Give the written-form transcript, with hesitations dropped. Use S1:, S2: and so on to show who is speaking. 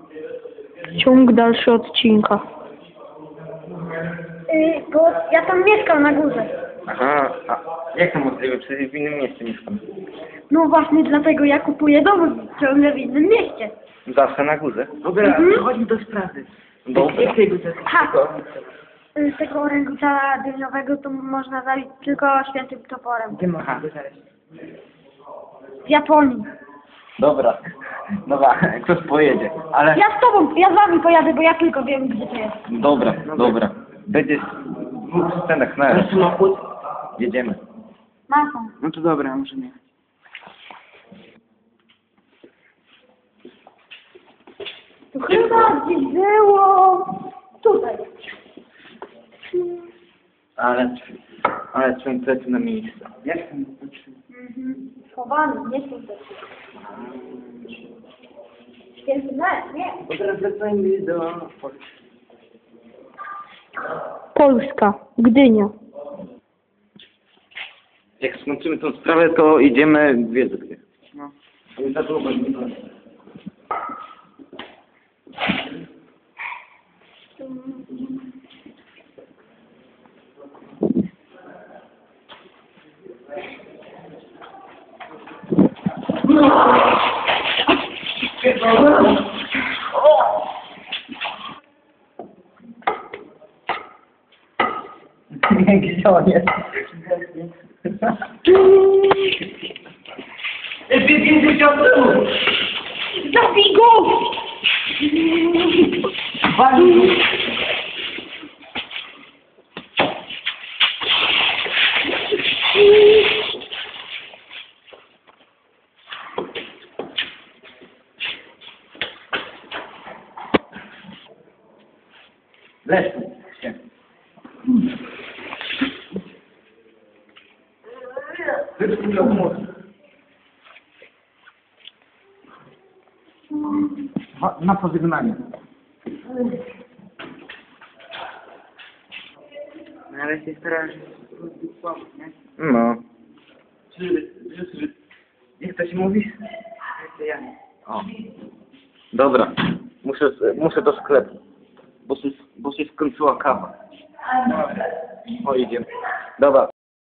S1: Ciąg dalszy odcinka.
S2: Bo ja tam mieszkam na górze.
S3: Aha, a jak to możliwe? Przecież w innym mieście mieszkam.
S2: No właśnie dlatego ja kupuję dom ciągle w innym mieście.
S3: Zawsze na górze.
S4: Dobra, przechodźmy do sprawy.
S3: Dobra.
S4: Jak tego zakupu?
S2: Ha! Z tego orangutana dyniowego to można zabić tylko świętym toporem.
S4: Gdzie można go znaleźć?
S2: W Japonii.
S3: Dobra. Dobra, ktoś pojedzie. Ale...
S2: Ja z tobą, ja z wami pojadę, bo ja tylko wiem, gdzie to jest.
S3: Dobra, dobra. Będziesz w dwóch scenach na
S4: Masz
S3: raz.
S4: samochód?
S3: Jedziemy.
S2: Masą.
S4: No to dobra, możemy jechać.
S2: Tu chyba gdzieś było... Tutaj.
S3: Ale trzęsecie na miejsce.
S4: Jak tam?
S2: Schowany, nie tutaj. Święty mecz, nie.
S4: Bo teraz wracajmy do...
S1: Polska. Gdynia.
S3: Jak skończymy tą sprawę, to idziemy w Wiedzy.
S4: No.
S3: Nie za długo nie będzie. Gdzie on jest?
S2: Zabij go!
S3: Leż się. Na pożegnanie.
S4: No ale się starasz pomóc, nie?
S3: No.
S4: Jak to się mówi? To ja.
S3: O. Dobra. Muszę do sklepu. Bo się skończyła kawa. O, idziemy. Dobra.